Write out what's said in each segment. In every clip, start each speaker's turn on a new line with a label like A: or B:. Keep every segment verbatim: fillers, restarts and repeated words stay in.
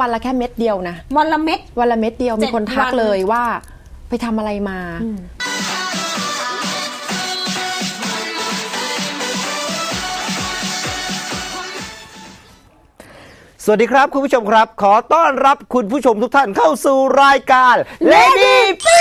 A: วันละแค่เม็ดเดียวนะ
B: วันละเม็ด
A: วันละเม็ดเดียวมีคนทักเลยว่าไปทำอะไรมา
C: สวัสดีครับคุณผู้ชมครับขอต้อนรับคุณผู้ชมทุกท่านเข้าสู่รายการ Lady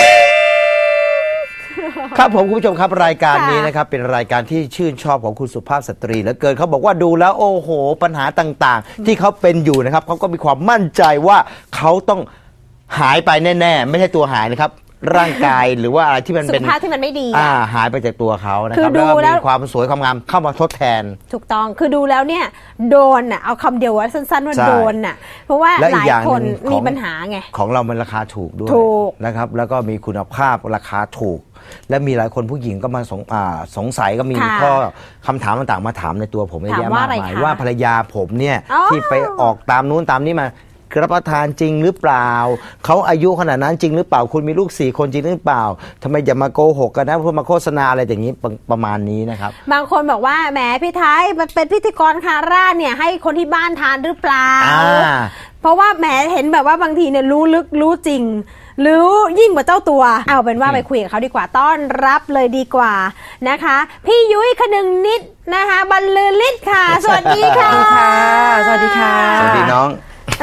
C: ครับผมคุณผู้ชมครับรายการนี้นะครับเป็นรายการที่ชื่นชอบของคุณสุภาพสตรีเหลือเกินเขาบอกว่าดูแล้วโอ้โหปัญหาต่างๆที่เขาเป็นอยู่นะครับเขาก็มีความมั่นใจว่าเขาต้องหายไปแน่ๆไม่ใช่ตัวหายนะครับร่างกายหรือว่าอะไรที่มันเป็น
B: สุขภาพที่มันไม่ดี
C: อ่าหายไปจากตัวเขานะครับแล้วก็มีความสวยความงามเข้ามาทดแทน
B: ถูกต้องคือดูแล้วเนี่ยโดนอ่ะเอาคำเดียวว่าสั้นๆว่าโดนอ่ะเพราะว่าหลายคนมีปัญหาไง
C: ของเรามันราคาถูกด้วยนะครับแล้วก็มีคุณภาพราคาถูกและมีหลายคนผู้หญิงก็มาสงสงสัยก็มีข้อคำถามต่างๆมาถามในตัวผมเยอะแยะมากมายว่าภรรยาผมเนี่ยที่ไปออกตามนู้นตามนี้มารับประทานจริงหรือเปล่าเขาอายุขนาดนั้นจริงหรือเปล่าคุณมีลูกสี่คนจริงหรือเปล่าทำไมอย่ามาโกหกกันนะเพื่อมาโฆษณาอะไรอย่างนี้ประมาณนี้นะครับ
B: บางคนบอกว่าแหมพี่ไทยมันเป็นพิธีกรคาร่าเนี่ยให้คนที่บ้านทานหรือเปล่าเพราะว่าแหมเห็นแบบว่าบางทีเนี่ยรู้ลึกรู้จริงรู้ยิ่งกว่าเจ้าตัวเอาเป็นว่าไปคุยกับเขาดีกว่าต้อนรับเลยดีกว่านะคะพี่ยุ้ยคนึงนิดนะคะบรรลือฤทธิ์ค่ะสวัสดีค่ะ
A: สวัสดีค่ะ
C: สวัสดีน้อง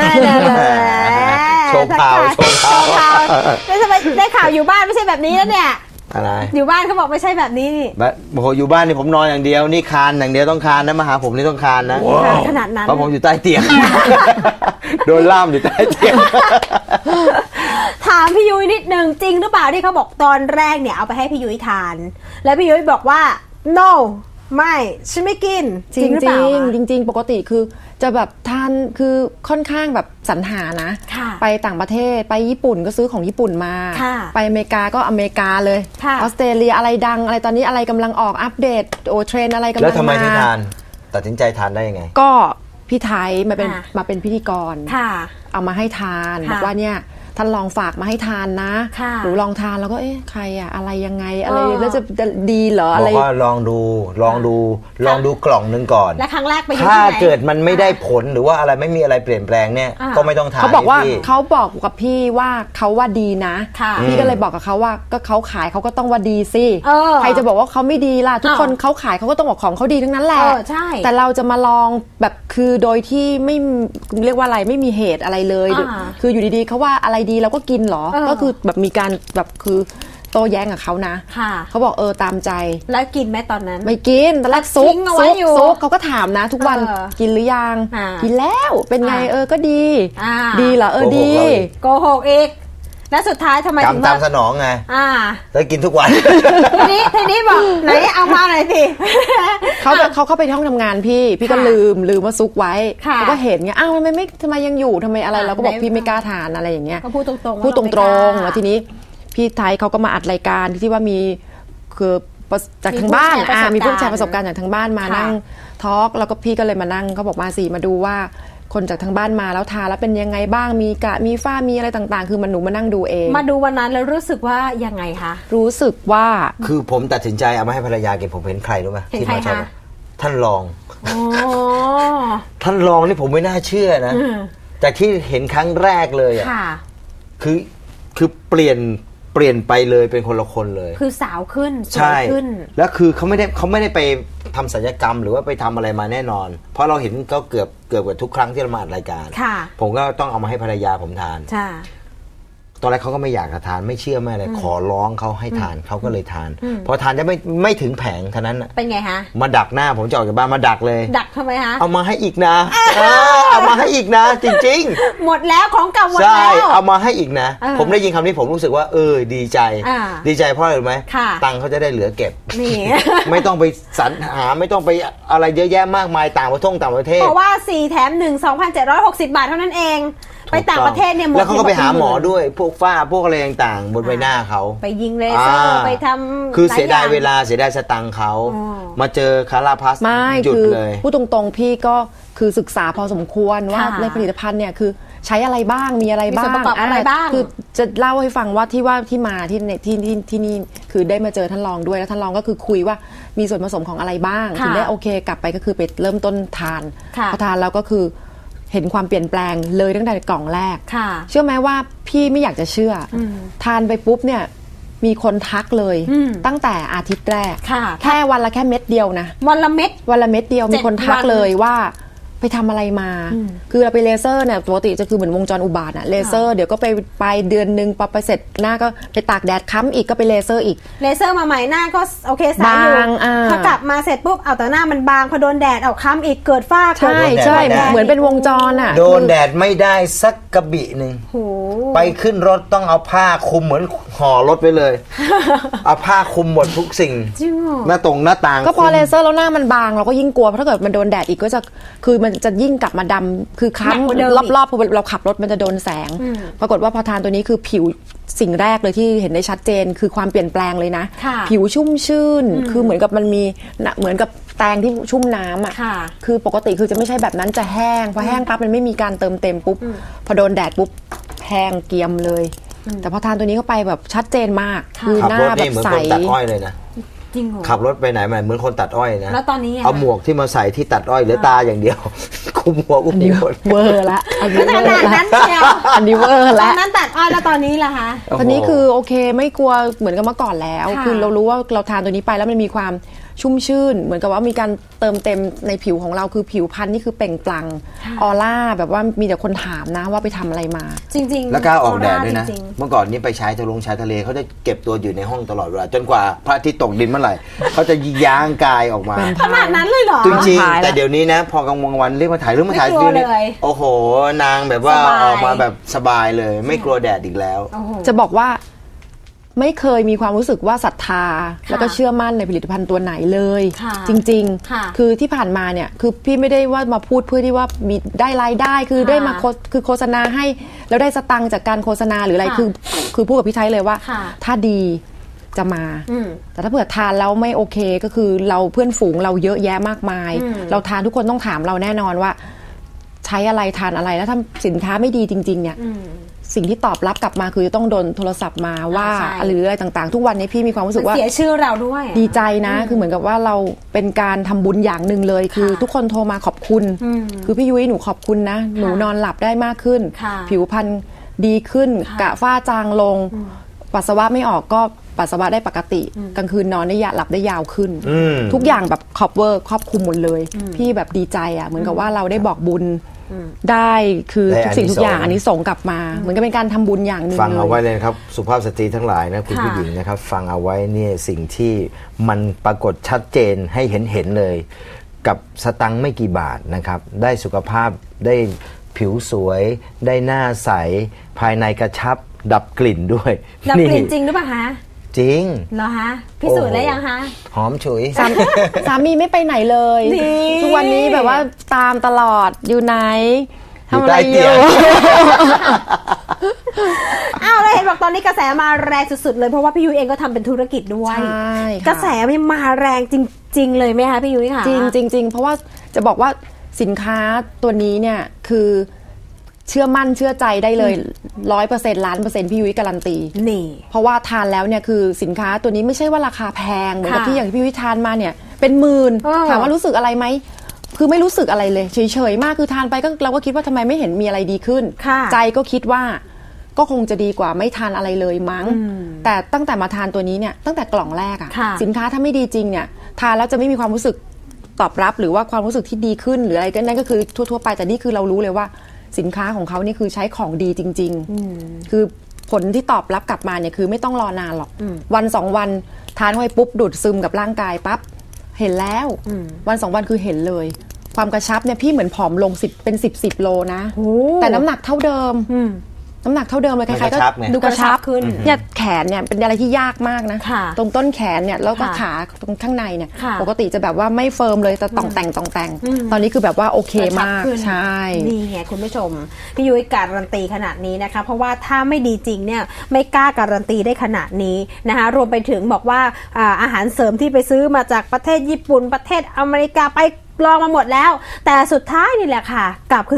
C: โชว์ข่าวโชว์ข่าว
B: แล้วทำไมได้ข่าวอยู่บ้านไม่ใช่แบบนี้แล้วเนี่ย
C: อะไร
B: อยู่บ้านเขาบอกไม่ใช่แบบนี้นี่
C: แบบโอ้โหอยู่บ้านนี่ผมนอนอย่างเดียวนี่คานอย่างเดียวต้องคานนะมาหาผมนี่ต้องคานนะ
B: ขนาดนั้น
C: เพราะผมอยู่ใต้เตียงโดนล่ามอยู่ใต้เตียง
B: ถามพี่ยุ้ยนิดนึงจริงหรือเปล่าที่เขาบอกตอนแรกเนี่ยเอาไปให้พี่ยุ้ยทานแล้วพี่ยุ้ยบอกว่า no ไม่ฉันไม่กิน
A: จริงจริงจริงๆปกติคือจะแบบทานคือค่อนข้างแบบสรรหานะไปต่างประเทศไปญี่ปุ่นก็ซื้อของญี่ปุ่นมาไปอเมริกาก็อเมริกาเลยออสเตรเลียอะไรดังอะไรตอนนี้อะไรกำลังออกอัปเดตโอเทรนอะไรกำลังมา
C: แล้วทำไมถึงทานตัดสินใจทานได้ยังไง
A: ก็พี่ไทยมาเป็นมาเป็นพิธีกรเอามาให้ทานบอกว่าเนี่ยท่านลองฝากมาให้ทานนะหนูลองทานแล้วก็เอ๊ะใครอะอะไรยังไงอะไรแล้วจะดีเหรออะไร
C: บอกว่าลองดูลองดูลองดูกล่องนึงก่อน
B: และครั้งแรกไป
C: ถ้าเกิดมันไม่ได้ผลหรือว่าอะไรไม่มีอะไรเปลี่ยนแปลงเนี่ยก็ไม่ต้องทาน
A: เขาบอกว่าเขาบอกกับพี่ว่าเขาว่าดีนะพี่ก็เลยบอกกับเขาว่าก็เขาขายเขาก็ต้องว่าดีสิใครจะบอกว่าเขาไม่ดีล่ะทุกคนเขาขายเขาก็ต้องบอกของเขาดีทั้งนั้นแหละแต่เราจะมาลองแบบคือโดยที่ไม่เรียกว่าอะไรไม่มีเหตุอะไรเลยคืออยู่ดีๆเขาว่าอะไรดีเราก็กินเหรอก็คือแบบมีการแบบคือโต้แย้งกับเขานะเขาบอกเออตามใจ
B: แล้วกินไหมตอนนั้น
A: ไม่กินตอนแรกซุกซุกซุกเขาก็ถามนะทุกวันกินหรือยังกินแล้วเป็นไงเออก็ดีดีเหรอเออดี
B: โกหกอีกแล้วสุดท้ายทำไมถึง
C: ตามสนองไงแล้วกินทุกวัน
B: ทีนี้ทีนี้บอกไหนเอามาหน่อยสิ
A: เขาเขาเข้าไปห้องทำงานพี่พี่ก็ลืมลืมว่าซุกไว้เขาก็เห็นไงอ้าวทำไมไม่ทำไมยังอยู่ทำไมอะไรเราก็บอกพี่ไม่กล้าทานอะไรอย่างเงี้ย
B: เขาพูดตรงๆ
A: พูดตรงๆแล้วทีนี้พี่ไทยเขาก็มาอัดรายการที่ว่ามีคือจากทางบ้านอ่ามีผู้แชร์ประสบการณ์จากทางบ้านมานั่งทอล์กแล้วก็พี่ก็เลยมานั่งเขาบอกมาสิมาดูว่าคนจากทางบ้านมาแล้วทานแล้วเป็นยังไงบ้างมีกะมีฝ้ามีอะไรต่างๆคือมันหนูมานั่งดูเอง
B: มาดูวันนั้นแล้วรู้สึกว่ายังไงคะ
A: รู้สึกว่า
C: คือผมตัดสินใจเอามาให้ภรรยากินผมเห็นใครรู้ไหมที่มาชอบท่านรองท่านรองนี่ผมไม่น่าเชื่อนะจากที่เห็นครั้งแรกเลยอ่ะคือคือเปลี่ยนเปลี่ยนไปเลยเป็นคนละคนเลย
B: คือสาวขึ้นสวยขึ้น
C: แล้วคือเขาไม่ได้เขาไม่ได้ไปทำศัลยกรรมหรือว่าไปทำอะไรมาแน่นอนเพราะเราเห็นก็เกือบเกือบกับทุกครั้งที่เรามาอัดรายการผมก็ต้องเอามาให้ภรรยาผมทานตอนแรกเขาก็ไม่อยากจะทานไม่เชื่อไม่อะไรขอร้องเขาให้ทานเขาก็เลยทานพอทานจะไม่ไม่ถึงแผงเท่านั้น
B: เป็นไงฮะ
C: มาดักหน้าผมจะออกจากบ้านมาดักเลย
B: ดักทำไมฮะ
C: เอามาให้อีกนะเอามาให้อีกนะจริง
B: ๆหมดแล้วของเก่าหมดแล้ว
C: ใช่เอามาให้อีกนะผมได้ยินคำนี้ผมรู้สึกว่าเออดีใจดีใจเพราะอะไรรู้ไหมตังค์เขาจะได้เหลือเก็บไม่ต้องไปสรรหาไม่ต้องไปอะไรเยอะแยะมากมายต่างประเทศต่างประเทศ
B: เพราะว่าสี่แถมหนึ่ง สองพันเจ็ดร้อยหกสิบบาทเท่านั้นเองไปต่างประเทศเนี่ยหมด
C: แล้วเขาก็ไปหาหมอด้วยพวกฝ้าพวกอะไรต่างๆบนใบหน้าเขา
B: ไปยิงเลเซอร์ไปทำ
C: คือเสียดายเวลาเสียดายสตังค์เขามาเจอคาราพัสหยุดเลย
A: พูดตรงๆพี่ก็คือศึกษาพอสมควรว่าในผลิตภัณฑ์เนี่ยคือใช้อะไรบ้างมีอะไรบ้าง
B: อะไรบ้าง
A: คือจะเล่าให้ฟังว่าที่ว่าที่มาที่ที่ที่ที่นี่คือได้มาเจอท่านรองด้วยแล้วท่านรองก็คือคุยว่ามีส่วนผสมของอะไรบ้างถึงได้โอเคกลับไปก็คือไปเริ่มต้นทานพอทานแล้วก็คือเห็นความเปลี่ยนแปลงเลยตั้งแต่กล่องแรก
B: ค่ะ
A: เชื่อไหมว่าพี่ไม่อยากจะเชื่ออทานไปปุ๊บเนี่ยมีคนทักเลยตั้งแต่อาทิตย์แรกแค่วันละแค่เม็ดเดียวนะ
B: วันละเม็ด
A: วันละเม็ดเดียวมีคนทักเลยว่าไปทำอะไรมา คือเราไปเลเซอร์เนี่ยปกติจะคือเหมือนวงจรอุบาทอะเลเซอร์เดี๋ยวก็ไปไปเดือนนึงพอไปเสร็จหน้าก็ไปตากแดดค้ำอีกก็ไปเลเซอร์อีก
B: เลเซอร์มาใหม่หน้าก็โอเคสายอยู่พอกลับมาเสร็จปุ๊บเอาแต่หน้ามันบางพอโดนแดดเอาค้ำอีกเกิดฝ้า
A: ใช่ใช่เหมือนเป็นวงจรอะ
C: โดนแดดไม่ได้สักกระบี่หนึ่งไปขึ้นรถต้องเอาผ้าคลุมเหมือนห่อรถไปเลยเอาผ้าคลุมหมดทุกสิ่งหน้าตรงหน้าต่าง
A: ก็พอเลเซอร์แล้วหน้ามันบางเราก็ยิ่งกลัวเพราะถ้าเกิดมันโดนแดดอีกก็จะคือมันจะยิ่งกลับมาดำคือค้ำรอบๆพอเราขับรถมันจะโดนแสงปรากฏว่าพอทานตัวนี้คือผิวสิ่งแรกเลยที่เห็นได้ชัดเจนคือความเปลี่ยนแปลงเลยนะผิวชุ่มชื่นคือเหมือนกับมันมีเหมือนกับแตงที่ชุ่มน้ำอ่ะคือปกติคือจะไม่ใช่แบบนั้นจะแห้งพอแห้งปั๊บมันไม่มีการเติมเต็มปุ๊บพอโดนแดดปุ๊บแห้งเกรียมเลยแต่พอทานตัวนี้เข้าไปแบบชัดเจนมากคือหน้าแบบใส
C: ตัดอ้อยเลยนะขับรถไปไหนมาเหมือนคนตัดอ้อยนะ
B: แล้วตอนนี้
C: เอาหมวกที่มาใส่ที่ตัดอ้อยเหลือตาอย่างเดียวคุมหัวคุมหัว
A: เวอร์ละ
B: อันนี้ขนาดนั้นเชียว
A: อันนี้เวอร์ละ
B: ตอนนั้นตัดอ้อยแล้วตอนนี้ล่ะคะ
A: ตอนนี้คือโอเคไม่กลัวเหมือนกับเมื่อก่อนแล้วคือเรารู้ว่าเราทานตัวนี้ไปแล้วมันมีความชุ่มชื่นเหมือนกับว่ามีการเติมเต็มในผิวของเราคือผิวพรรณนี่คือเปล่งปลั่งออร่าแบบว่ามีแต่คนถามนะว่าไปทำอะไรมา
B: จริงๆ
C: แล้วกล้าออกแดดด้วยนะเมื่อก่อนนี้ไปใช้ทะลงชายทะเลเขาจะเก็บตัวอยู่ในห้องตลอดเวลาจนกว่าพระอาทิตย์ตกดินเมื่อไหร่เขาจะย้างกายออกมา
B: ขนาดนั้นเลยเหรอ
C: จริงๆแต่เดี๋ยวนี้นะพอกลางวันเรียกมาถ่ายรูปมาถ่าย
B: ดูนี่
C: โอ้โหนางแบบว่าออกมาแบบสบายเลยไม่กลัวแดดอีกแล้ว
A: จะบอกว่าไม่เคยมีความรู้สึกว่าศรัทธาแล้วก็เชื่อมั่นในผลิตภัณฑ์ตัวไหนเลยจริงๆคือที่ผ่านมาเนี่ยคือพี่ไม่ได้ว่ามาพูดเพื่อที่ว่ามีได้รายได้คือได้มาคือโฆษณาให้แล้วได้สตังค์จากการโฆษณาหรืออะไรคือคือพูดกับพี่ไทยเลยว่าถ้าดีจะมาแต่ถ้าเผื่อทานแล้วไม่โอเคก็คือเราเพื่อนฝูงเราเยอะแยะมากมายเราทานทุกคนต้องถามเราแน่นอนว่าใช้อะไรทานอะไรแล้วถ้าสินค้าไม่ดีจริงๆเนี่ยสิ่งที่ตอบรับกลับมาคือจะต้องโดนโทรศัพท์มาว่าหรืออะไรต่างๆทุกวันนี้พี่มีความรู้สึกว่า
B: เสียชื่อเราด้วย
A: ดีใจนะคือเหมือนกับว่าเราเป็นการทำบุญอย่างหนึ่งเลยคือทุกคนโทรมาขอบคุณคือพี่ยุ้ยหนูขอบคุณนะหนูนอนหลับได้มากขึ้นผิวพรรณดีขึ้นกระฝ้าจางลงปัสสาวะไม่ออกก็ปัสสาวะได้ปกติกลางคืนนอนได้ยาหลับได้ยาวขึ้นทุกอย่างแบบครอบเวอร์ครอบคลุมหมดเลยพี่แบบดีใจอ่ะเหมือนกับว่าเราได้บอกบุญได้คือทุกสิ่งทุกอย่างอันนี้ส่งกลับมาเหมือนกับเป็นการทำบุญอย่างหนึ่ง
C: ฟังเอาไว้เลยครับสุภาพสตรีทั้งหลายนะคุณผู้หญิงนะครับฟังเอาไว้เนี่ยสิ่งที่มันปรากฏชัดเจนให้เห็นเห็นเลยกับสตังค์ไม่กี่บาทนะครับได้สุขภาพได้ผิวสวยได้หน้าใสภายในกระชับดับกลิ่นด้วย
B: ดับกลิ่นจริงหรือเปล่าคะ
C: จริง
B: เหรอคะพิสูจน์ได้ยังคะ
C: หอมฉุย
A: สามีไม่ไปไหนเลยทุกวันนี้แบบว่าตามตลอดอยู่ไหนทำอะไรอยู่
B: อ้าวเราเห็นบอกตอนนี้กระแสมาแรงสุดๆเลยเพราะว่าพี่ยุ้ยเองก็ทำเป็นธุรกิจด้วยกระแสมันมาแรงจริงๆเลยไหมคะพี่ยุ้ยค่ะ
A: จริงจริงจริงเพราะว่าจะบอกว่าสินค้าตัวนี้เนี่ยคือเชื่อมั่นเชื่อใจได้เลยร้อยเปอร์เซ็นต์ล้านเปอร์เซ็นต์พี่ยุ้ยการันตี
B: นี่
A: เพราะว่าทานแล้วเนี่ยคือสินค้าตัวนี้ไม่ใช่ว่าราคาแพงเหมือนกับที่อย่างพี่ยุ้ยทานมาเนี่ยเป็นหมื่นถามว่ารู้สึกอะไรไหมคือไม่รู้สึกอะไรเลยเฉยๆมากคือทานไปก็เราก็คิดว่าทำไมไม่เห็นมีอะไรดีขึ้นใจก็คิดว่าก็คงจะดีกว่าไม่ทานอะไรเลยมั้งแต่ตั้งแต่มาทานตัวนี้เนี่ยตั้งแต่กล่องแรกอะสินค้าถ้าไม่ดีจริงเนี่ยทานแล้วจะไม่มีความรู้สึกตอบรับหรือว่าความรู้สึกที่ดีขึ้นหรืออะไรก็นั่นก็คือทั่วๆไปแต่นี่คือเรารู้เลยว่าสินค้าของเขานี่คือใช้ของดีจริงๆคือผลที่ตอบรับกลับมาเนี่ยคือไม่ต้องรอนานหรอกวันสองวันทานเข้าไปปุ๊บดูดซึมกับร่างกายปั๊บเห็นแล้ววันสองวันคือเห็นเลยความกระชับเนี่ยพี่เหมือนผอมลงสิบเป็นสิบสิบโลนะแต่น้ำหนักเท่าเดิมน้ำหนักเท่าเดิมเลยใครๆก็ดูกระชับขึ้นเนี่ยแขนเนี่ยเป็นอะไรที่ยากมากนะตรงต้นแขนเนี่ยแล้วก็ขาตรงข้างในเนี่ยปกติจะแบบว่าไม่เฟิร์มเลยแต่ต่องแต่งต่องแต่งตอนนี้คือแบบว่าโอเคมากใช่
B: นี่ไงคุณผู้ชมพี่ยุ้ยการันตีขนาดนี้นะคะเพราะว่าถ้าไม่ดีจริงเนี่ยไม่กล้าการันตีได้ขนาดนี้นะคะรวมไปถึงบอกว่าอาหารเสริมที่ไปซื้อมาจากประเทศญี่ปุ่นประเทศอเมริกาไปลองมาหมดแล้วแต่สุดท้ายนี่แหละค่ะกลับคืนสู่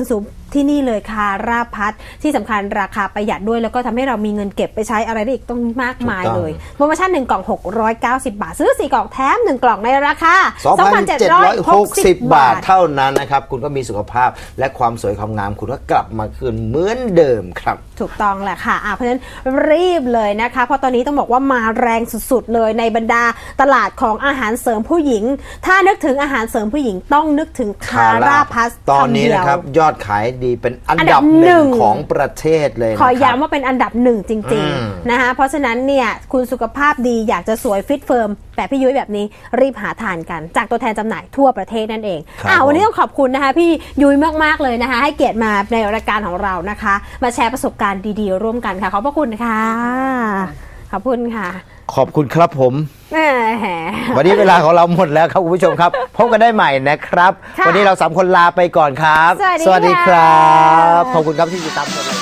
B: ที่นี่เลยคาราพัทที่สำคัญราคาประหยัดด้วยแล้วก็ทำให้เรามีเงินเก็บไปใช้อะไรได้อีกต้องมากมายเลยโปรโมชั่นหนึ่งกล่องหกร้อยเก้าสิบบาทซื้อสี่กล่องแถมหนึ่งกล่องในราคา
C: สองพันเจ็ดร้อยหกสิบ บาทเท่านั้นนะครับคุณก็มีสุขภาพและความสวยความงามคุณก็กลับมาคืนเหมือนเดิมครับ
B: ถูกต้องแหละค่ะเพราะฉะนั้นรีบเลยนะคะเพราะตอนนี้ต้องบอกว่ามาแรงสุดๆเลยในบรรดาตลาดของอาหารเสริมผู้หญิงถ้านึกถึงอาหารเสริมผู้หญิงต้องนึกถึงคาราพัส
C: ตอนนี้นะครับยอดขายดีเป็นอันดับหนึ่งของประเทศเลย
B: ขอย้ำว่าเป็นอันดับหนึ่งจริงๆนะคะเพราะฉะนั้นเนี่ยคุณสุขภาพดีอยากจะสวยฟิตเฟิร์มแบบพี่ยุ้ยแบบนี้รีบหาทานกันจากตัวแทนจำหน่ายทั่วประเทศนั่นเองอ่าวันนี้ต้องขอบคุณนะคะพี่ยุ้ยมากๆเลยนะคะให้เกียรติมาในรายการของเรานะคะมาแชร์ประสบการณ์ดีๆร่วมกันค่ะขอบพระคุณค่ะขอบคุณค่ะ
C: ขอบคุณครับผมวันนี้เวลาของเราหมดแล้วครับคุณผู้ชมครับพบกันได้ใหม่นะครับวันนี้เราสามคนลาไปก่อนครับ
B: สวัสดีครับ
C: ขอบคุณครับที่ติดตามชม